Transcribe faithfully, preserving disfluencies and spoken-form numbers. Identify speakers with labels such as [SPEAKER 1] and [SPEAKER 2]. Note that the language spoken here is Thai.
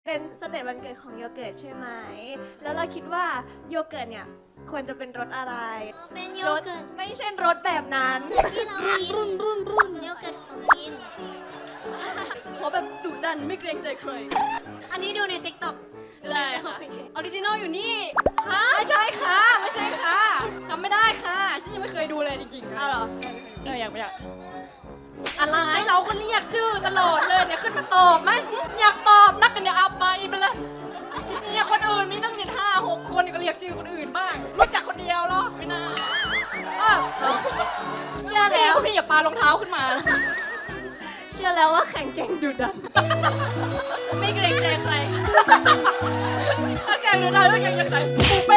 [SPEAKER 1] เป็นสเตจวันเกิดของโยเกิร์ตใช่ไหม แล้วเราคิดว่าโยเกิร์ตเนี่ยควรจะเป็นรสอะไร
[SPEAKER 2] เป็นโยเกิร์ต
[SPEAKER 1] ไม่ใช่รสแบบนั้น
[SPEAKER 2] ที่เรากินรุ่นรุ่นรุ่นโยเกิร์ตของกิน
[SPEAKER 3] ขอแบบดุดันไม่เกรงใจใคร
[SPEAKER 2] อันนี้ดูในติ๊กต็อก
[SPEAKER 3] ใช่ค่ะออริจินอลอยู่นี่
[SPEAKER 1] ฮะ
[SPEAKER 3] ไม่ใช่ค่ะ ไม่ใช่ค่ะทำไม่ได้ค่ะ ฉันยังไม่เคยดูเลยจริงๆอ้าวเหรอเอออยากไปอยากอะไรเราคนเรียกชื่อตลอดเลยเนี่ยขึ้นมาตอบไหมอยากตอบนักกันเนี่ยเอาไปไปเลยเนี่ยคนอื่นมีตั้งเจ็ดห้าหกคนก็เรียกชื่อคนอื่นบ้างรู้จักคนเดียวเหรอไม่น่าเออ
[SPEAKER 1] เชื่อ
[SPEAKER 3] พี่
[SPEAKER 1] แล้ว
[SPEAKER 3] คุณพี่อย่าปารองเท้าขึ้นมา
[SPEAKER 1] เชื่อแล้วว่าแข่งเก่งดุดัน
[SPEAKER 3] ไม่เกรงใจใครถ้าแกงดูได้ไม่เกรงใจใครปูไป